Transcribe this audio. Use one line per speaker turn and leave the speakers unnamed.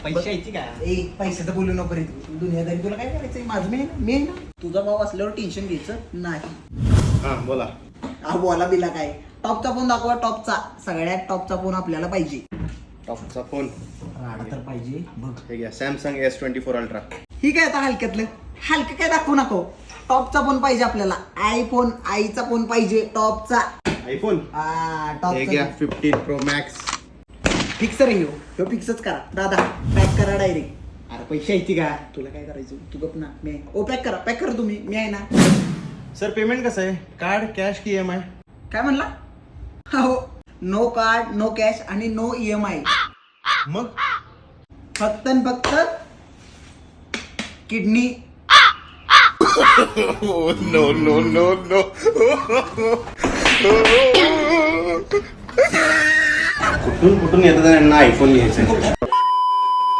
पैशाची काय
पैशाचं बोलू नको रे तू. दुनियादारी तुला काय करायचंय? माझं मी आहे ना. तुझा भाव असल्यावर टेन्शन घ्यायचं नाही.
हा बोला.
हा बोला बिला काय? टॉपचा फोन दाखवा. टॉपचा सगळ्यात टॉपचा फोन आपल्याला पाहिजे.
टॉपचा फोन
राडा तर पाहिजे बघ.
हे घ्या, सॅमसंग S24 अल्ट्रा.
ही काय आता हलक्यातलं हलकं काय दाखवू नको. टॉपचा फोन पाहिजे आपल्याला. आयफोन आईचा फोन पाहिजे टॉपचा.
आयफोन हे घ्या,
टॉपचा
15 Pro Max.
फिक्सर आहे ह्यो फिक्सच करा दादा. पॅक करा डायरेक्ट. अरे पैसे यायची का? तुला काय करायचं? तू गप ना. मी आहे. ओ पॅक करा तुम्ही. मी आहे ना.
सर पेमेंट कसं आहे? कार्ड, कॅश की EMI?
काय म्हणला? हो, नो कार्ड, नो कॅश आणि नो EMI.
मग
फक्त आणि फक्त किडनी.
No no no no. कुठून येतात यांना आयफोन घ्यायचं.